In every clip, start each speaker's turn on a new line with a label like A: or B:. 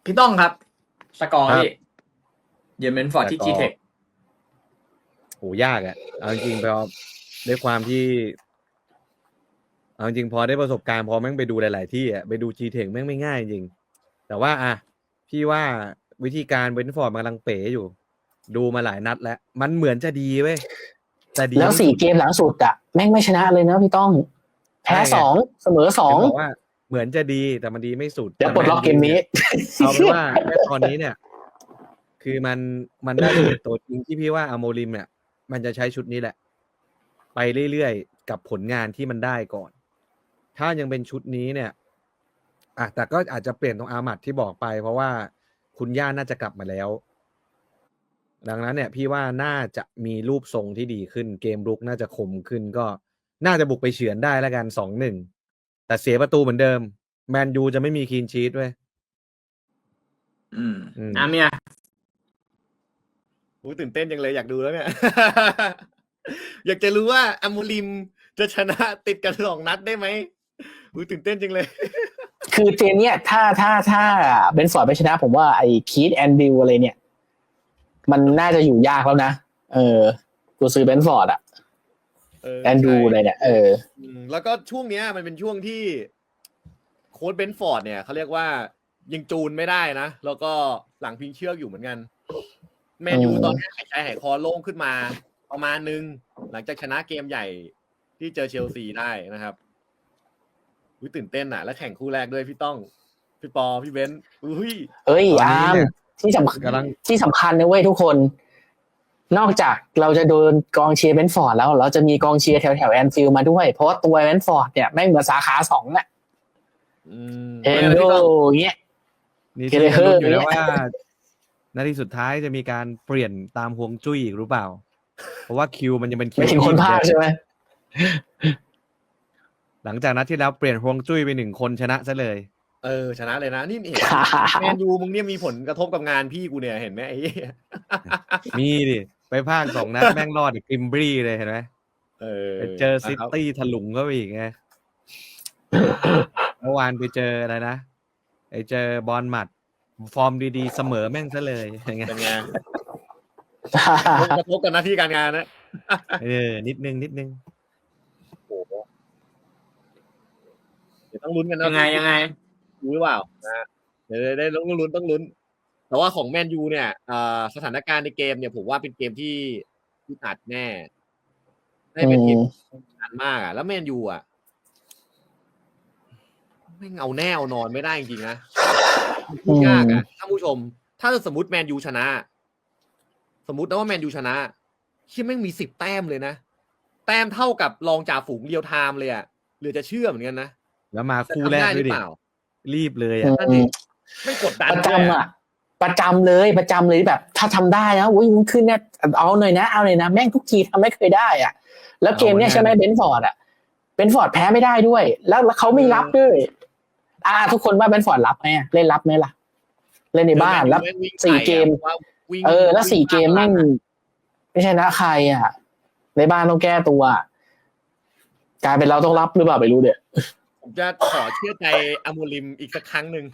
A: พี่ต้องครับสกอร์
B: ครับ
A: พี่เยอรมันฟอร์ดที่ G-Tech
B: โหยากอ่ะเอาจริงๆพอด้วยความที่เอาจริงพอได้ประสบการณ์พอแม่งไปดูหลายๆที่อ่ะไปดู G-Tech แม่งไม่ง่ายจริงแต่ว่าพี่ว่าวิธีการเบรนท์ฟอร์ดมันกำลังเป๋อยู่ดูมาหลายนัดแล้วมันเหมือนจะดีเว้ยแต่ดี
C: แล้ว4 เกมหลังสุดอะแม่งไม่ชนะเลยนะพี่ต้องแพ้2เสมอ2
B: บอกว่าเหมือนจะดีแต่มันดีไม่สุด
C: เดี๋ยวปลดล็อกเกมนี้
B: เอาเป็นว่าแค่ตอนนี้เนี่ย คือมันได้เป็นตัวจริงที่พี่ว่าอโมริมเนี่ยมันจะใช้ชุดนี้แหละ ไปเรื่อยๆกับผลงานที่มันได้ก่อน ถ้ายังเป็นชุดนี้เนี่ยแต่ก็อาจจะเปลี่ยนตรงอามัดที่บอกไป เพราะว่าคุณย่าน่าจะกลับมาแล้ว ดังนั้นเนี่ยพี่ว่าน่าจะมีรูปทรงที่ดีขึ้นเกมรุกน่าจะคมขึ้นก็น่าจะบุกไปเฉือนได้แล้วกัน 2-1 แต่เสียประตูเหมือนเดิมแมนยูจะไม่มีคลีนชีทด้วย
A: เนี่ย
B: ตื่นเต้นจังเลยอยากดูแล้วเนี่ย อยากจะรู้ว่าอโมริมจะชนะติดกัน2 นัดได้ไหมตื่นเต้นจังเลย
C: คือเกมเนี้ยถ้าเบนฟอร์ดไม่ชนะผมว่าไอ้คีธแอนดิวอะไรเนี่ยมันน่าจะอยู่ยากแล้วนะกูซื้อเบนฟอร์ดอะแอนดูเลยเนี่ย
B: แล้วก็ช่วงเนี้ยมันเป็นช่วงที่โค้ชเบนฟอร์ดเนี่ยเขาเรียกว่ายังจูนไม่ได้นะแล้วก็หลังพิงเชือกอยู่เหมือนกันแมนยูตอนนี้หายใจหายคอโล่งขึ้นมาประมาณนึงหลังจากชนะเกมใหญ่ที่เจอเชลซีได้นะครับตื่นเต้นอ่ะแล้วแข่งคู่แรกด้วยพี่ต้องพี่ปอพี่เบนซ์
C: อาร์มที่สำคัญนะเว้ยทุกคนนอกจากเราจะโดนกองเชียร์เบนฟอร์ดแล้วเราจะมีกองเชียร์แถวแอนฟิลด์มาด้วยเพราะว่าตัวเบนฟอร์ดเนี่ยแม่งเหมือนสาขา2อ่ะเฮนโดเงี้ย
B: นี่ที่รู้อยู่แล้วว่านาทีสุดท้ายจะมีการเปลี่ยนตามฮวงจุ้ยอีกหรือเปล่าเพราะว่าคิวมันยังเป็นคิว
C: ไม่ถึงคนพากใช่ไหม
B: หลังจากนัดที่แล้วเปลี่ยนฮวงจุ้ยไป1 คนชนะซะเลยชนะเลยนะนี่เห็นแมนยูมึงเนี่ยมีผลกระทบกับงานพี่กูเนี่ยเห็นไหมไอ้มีดิไปภาค2 นัดแม่งรอดกิมบรีเลยเห็นไหมไปเจอซิตี้ถลุงก็ไปอีกไงเมื่อวานไปเจออะไรนะไปเจอบอลหมัดฟอร์มดีๆเสมอแม่งซะเลยเป็นไงกระทบกับหน้าที่การงานนะนิดนึงโอ้โหเดี๋ยวต้องลุ้นกันนะ
A: ยังไง
B: รู้หรือเปล่านะเดี๋ยวได้ต้องลุ้นแต่ว่าของแมนยูเนี่ยสถานการณ์ในเกมเนี่ยผมว่าเป็นเกมที่อัดแน่ได้เป็นเกมอันมากแล้วแมนยูไม่เอาแน่เอานอนไม่ได้จริงๆนะพูดยากท่านผู้ชมถ้าสมมติแมนยูชนะสมมตินะว่าแมนยูชนะที่แม่งมี10 แต้มเลยนะแต้มเท่ากับรองจ่าฝูงเรียวไทม์เลยหรือจะเชื่อเหมือนกันนะแล้วมาคู่แรกด้วยดิรีบเลยนั่นดิไม่กดดัน
C: ประจำเลยแบบถ้าทำได้นะวุ้นขึ้นเนี่ยเอาหน่อยนะแม่งทุกทีทำไม่เคยได้แล้วเกมเนี้ยใช่ไหมเบนฟอร์ดเบนฟอร์ดแพ้ไม่ได้ด้วยแล้วเขาไม่รับด้วยทุกคนว่าเบนฟอร์ดรับไหมเล่นรับไหมล่ะเล่นในบ้านแล้ว4 เกมแล้ว4 เกมแม่งไม่ใช่นะใครในบ้านต้องแก้ตัวกลายเป็นเราต้องรับหรือเปล่าไม่รู้เดี๋ยว
B: ผมจะขอเชื่อใจอโมริมอีกสักครั้งหนึ่ง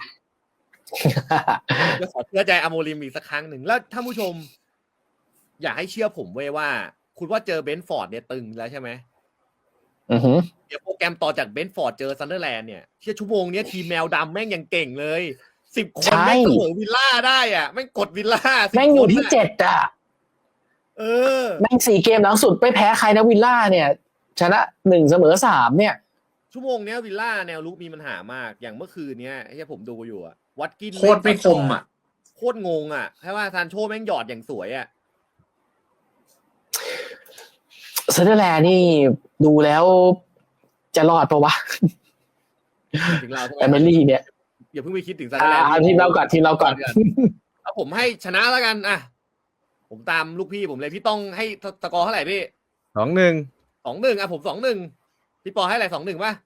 B: จะขอเชื่อใจอโมริมอีกสักครั้งหนึ่งแล้วท่านผู้ชมอยากให้เชื่อผมไว้ว่าคุณว่าเจอเบนฟอร์ดเนี่ยตึงแล้วใช่ไหมเดี๋ยวโปรแกรมต่อจากเบนฟอร์ดเจอซันเดอร์แลนด์เนี่ยที่ชั่วโมงนี้ทีมแมวดำแม่งยังเก่งเลย10 คนแม่งเสมอวิลล่าได้แม่งกดวิลล่า
C: แม่งอยู่ที่7แม่ง4 เกมหลังสุดไม่แพ้ใครนะวิลล่าเนี่ยชนะ1เสมอ3เนี่ย
B: ชั่วโมงนี้วิลล่าแนวลุกมีปัญหามากอย่างเมื่อคืนเนี้ยที่ผมดูอยู่วัดกิน
A: โคตรไม่คม
B: โคตรงงแค่ว่าซานโชแม่งหยอดอย่างสวย
C: ซันเดอร์แลนด์นี่ดูแล้วจะรอดปะวะ
B: ถึงเรา
C: แอเมลี่เนี่ย
B: อย่าเพิ่งไปคิดถึงซันเดอร์แลนด์
C: ทีมเราก่อน
B: เอาผมให้ชนะแล้วกันผมตามลูกพี่ผมเลยพี่ต้องให้สกอร์เท่าไหร่พี่2-1ผม2-1พี่ปอให้อะไร2-1ป่ะ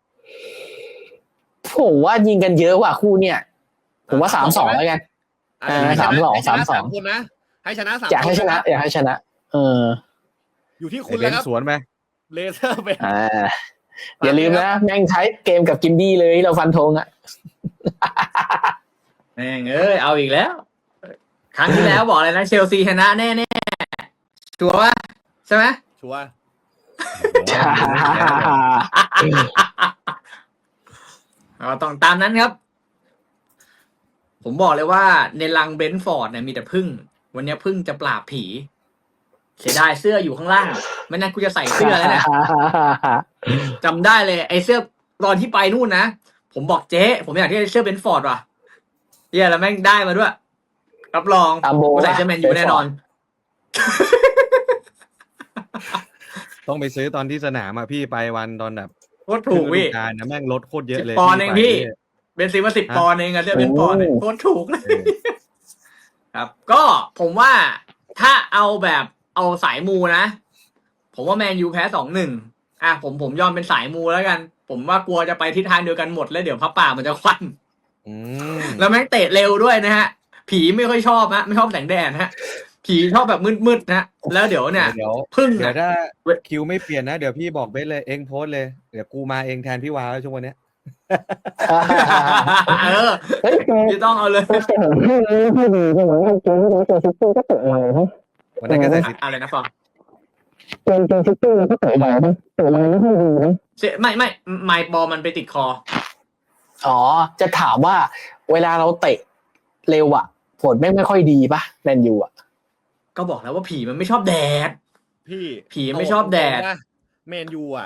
C: ผมว่ายิงกันเยอะว่ะคู่เนี่ยผมว่า3-2แล้วกัน3-2
B: คนนะให้ชนะ3
C: อยากให้ชนะ
B: อยู่ที่คุณแล้วครับสวนไหมเลเซอร์ไป
C: อย่าลืมนะแม่งใช้เกมกับกินดี้เลยเราฟันธง
A: แม่งเอาอีกแล้ว ครั้งที่แล้วบอกเลยนะเชลซีชนะแน่ๆชัวร์ป่ะใช่ไหม
D: ชัวร์
A: ต้องตามนั้นครับ ผมบอกเลยว่าในลังเบนฟอร์ดเนี่ยมีแต่พึ่ง วันนี้พึ่งจะปราบผี เสียดายเสื้ออยู่ข้างล่าง ไม่งั้นกูจะใส่เสื้อแล้วเนี่ยจำได้เลยไอ้เสื้อตอนที่ไปนู่นนะ ผมบอกเจ๊ผมอยากได้เสื้อเบนฟอร์ดว่ะเย้แล้วแม่งได้มาด้วย รับรองกูใส่เสื้อแมนยูแน่นอน
B: ต้องไปซื้อตอนที่สนามอะพี่ไปวันตอนแบบ
A: โคตรถูกพี่
B: การนะแม่งลดโคตรเยอะเลย
A: 10 ปอนด์เองพี่
B: ไป
A: เบนซีมา10 ปอนด์เองอะเสื้อเบนฟอร์ดเนี่ยโคตรถูกเลย ครับ ก็ผมว่าถ้าเอาแบบเอาสายมูนะ ผมว่าแมนยูแพ้ 2-1 ผมยอมเป็นสายมูแล้วกัน ผมว่ากลัวจะไปทิศทางเดียวกันหมดแล้วเดี๋ยวพระป่ามันจะควัน แล้วแม่งเตะเร็วด้วยนะฮะ ผีไม่ค่อยชอบฮะไม่ชอบแสงแดดฮะ ผีชอบแบบมืดๆนะแล้วเดี๋ยวเนี่ย
B: เดี๋ยว
A: พึ่ง
B: เดี๋ยว
A: นะ
B: ถ้าคิวไม่เปลี่ยนนะเดี๋ยวพี่บอกเบสเลยเองโพสต์เลยเดี๋ยวกูมาเองแทนพี่วาวช่วงวันเนี้ย
C: เฮ้ย
A: พี่ต้องเอาเลย
B: วันนั้นก็ใส่สิ
A: อะไรนะฟอง
C: เกมซิตี้ก็เตะใหญ่นะเตะอะไรไม่ค่อยดีนะ
A: ไม่ไมค์บอลมันไปติดคอ
C: อ๋อจะถามว่าเวลาเราเตะเร็วอ่ะผลไม่ค่อยดีป่ะแมนยูอ่ะ
A: ก็บอกแล้วว่าผีมันไม่ชอบแดด
D: พี่
A: ผีไม่ชอบแดด
D: แมนยูอ่ะ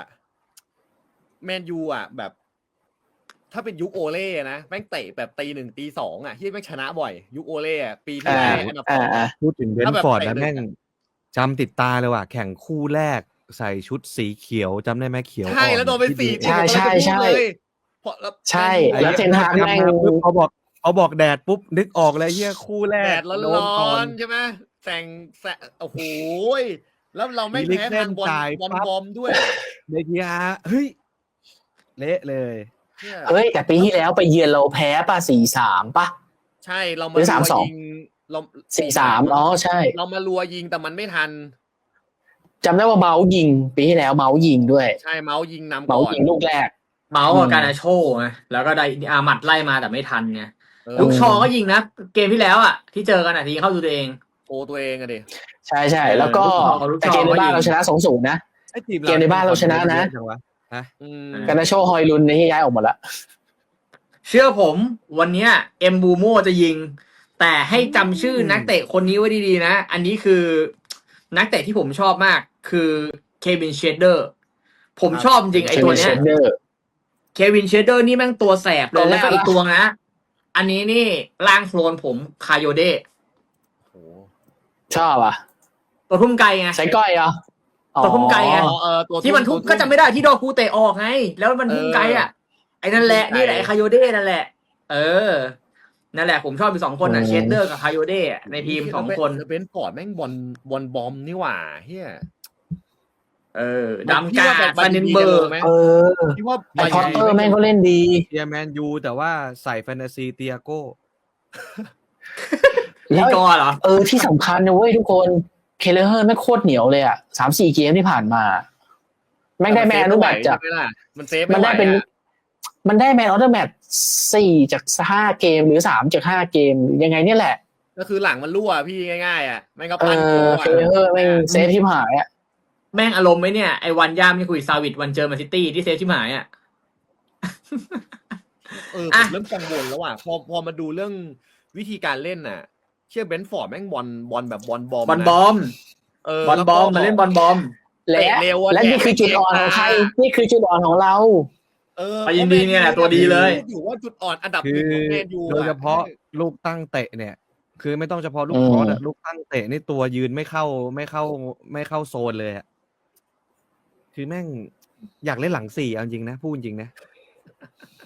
D: แบบ ถ้าเป็นยุคโอเล่นะแม่งเตะแบบตี 1 ตี 2อ่ะที่แม่งชนะบ่อย ยุคโอเล่อ่ะปีที่แล้วอันดับ 2
B: พูดถึงเบนฟอร์ดนะแม่งจำติดตาเลยว่ะแข่งคู่แรกใส่ชุดสีเขียวจำได้ไหมเขียว
D: ใช่แล้วโดนไป4
C: ใช่ใช่แล้วเทนฮากแม่ง
B: เขาบอกแดดปุ๊บนึกออกเลยเฮียคู่แร
D: แด
B: ก
D: ดร้อนๆใช่ไหมแสงโอ้โหแล้วเราไม่แพ้ทางบอลบอมด้วย
B: เดียเฮ้ยเละเลย
C: เฮ้ยแต่ปีที่แล้วไปเยือนเราแพ้ป่ะ 4-3 ป่ะ
D: ใช่เรา
C: ห
D: มา
C: รือ
D: รัว
C: 3-2
D: ยิงเรา
C: 4-3อ๋อใช่
D: เรามารัวยิงแต่มันไม่ทัน
C: จำได้ว่าเมาส์ยิงปีที่แล้วเมาส์ยิงด้วย
D: ใช่เมาส์ยิงนำ
C: เมา
D: ก่
C: ส์
D: อน
C: ยิงลูกแรก
A: เมาส์กับการาโชไงแล้วก็ได้อามัดไล่มาแต่ไม่ทันไงลูกชอก็ยิงนะเกมที่แล้วอ่ะที่เจอกันทีเข้าดูตัวเอง
D: โอ้ตัวเองอะดิ
C: ใช่แล้วก็แต่เกมในบ้านเราชนะ 2-0 นะ เกมในบ้านเราชนะนะ การาโชฮอยลุนในที่ย้ายออกหมดละ
A: เชื่อผมวันเนี้ยเอ็มบูโมจะยิง แต่ให้จำชื่อนักเตะคนนี้ไว้ดีๆนะ อันนี้คือนักเตะที่ผมชอบมากคือเควินเชเดอร์ผมชอบจริงไอตัวเนี้ยเควินเชเดอร์นี่แม่งตัวแสบเลยแล้วก็อีกตัวนะ อันนี้นี่ล่างโคลนผมคาโยเดะ
C: ชอบอ่ะ
A: ตัวทุ่มไกลไง
C: ใส่ก้อยเหรอ
A: ตัวทุ่มไกลไง
D: ตัว
A: ที่มันทุ่มก็จำไม่ได้ที่ดอคูเตะออกไง แล้วมันทุ่มไกลอ่ะไอ้นั่นแหละนี่แหละคาโยเดะนั่นแหละนั่นแหละผมชอบอยู่2 คนอ่ะเชเดอร์กับคาโยเดะในทีม2 คน
D: เบนฟอร์ดแม่งบอลบอมนี่หว่าเฮีย
A: ดำกาซันเดนเบอร์
D: ที่ว่า
C: ไอพอตเตอร์แม่งก็เล่นดี
B: เทียแมนยูแต่ว่าใส่แฟนตาซีเตียโก้
A: นี่ก็เหรอ
C: ที่สำคัญนะเว้ยทุกคนเคเลเฮอร์แม่งโคตรเหนียวเลยอ่ะ 3-4 เกมที่ผ่านมาแม่งได้แมนออฟเดอะแมตช์จากมันได้แมนออฟเดอะแมตช์4 จาก 5 เกมหรือ3 จาก 5 เกมยังไงเนี่ยแหละ
D: ก็คือหลังมันรั่วพี่ง่ายๆอ่ะแม่งก็
C: เคเลเฮอร์แม่งเซฟที่หายอ่ะ
A: แม่งอารมณ์ไหมเนี่ยไอ้วันย่ามที่คุยซาวิดวันเจอแมนซิตี้ที่เซฟชิมหายอ่ะ
D: ผมเริ่มกังวลแล้วอ่ะพอมาดูเรื่องวิธีการเล่นน่ะเชื่อเบนฟอร์ดแม่งบอลแบบบอลบอม
A: บอลบอมมาเล่นบอลบอม
C: และนี่คือจุดอ่อนของใครนี่คือจุดอ่อนของเรา
A: ไปยินดีเนี่ยแหละตัวดีเลย
D: อยู่ว่าจุดอ่อนอันดับ
B: คือ
D: 1ของแมนยู
B: โดยเฉพาะลูกตั้งเตะเนี่ย คือไม่ต้องเฉพาะลูกคอร์สอะลูกตั้งเตะนี่ตัวยืนไม่เข้าโซนเลยอะคือแม่งอยากเล่นหลัง4เอาจริงนะพูดจริงนะ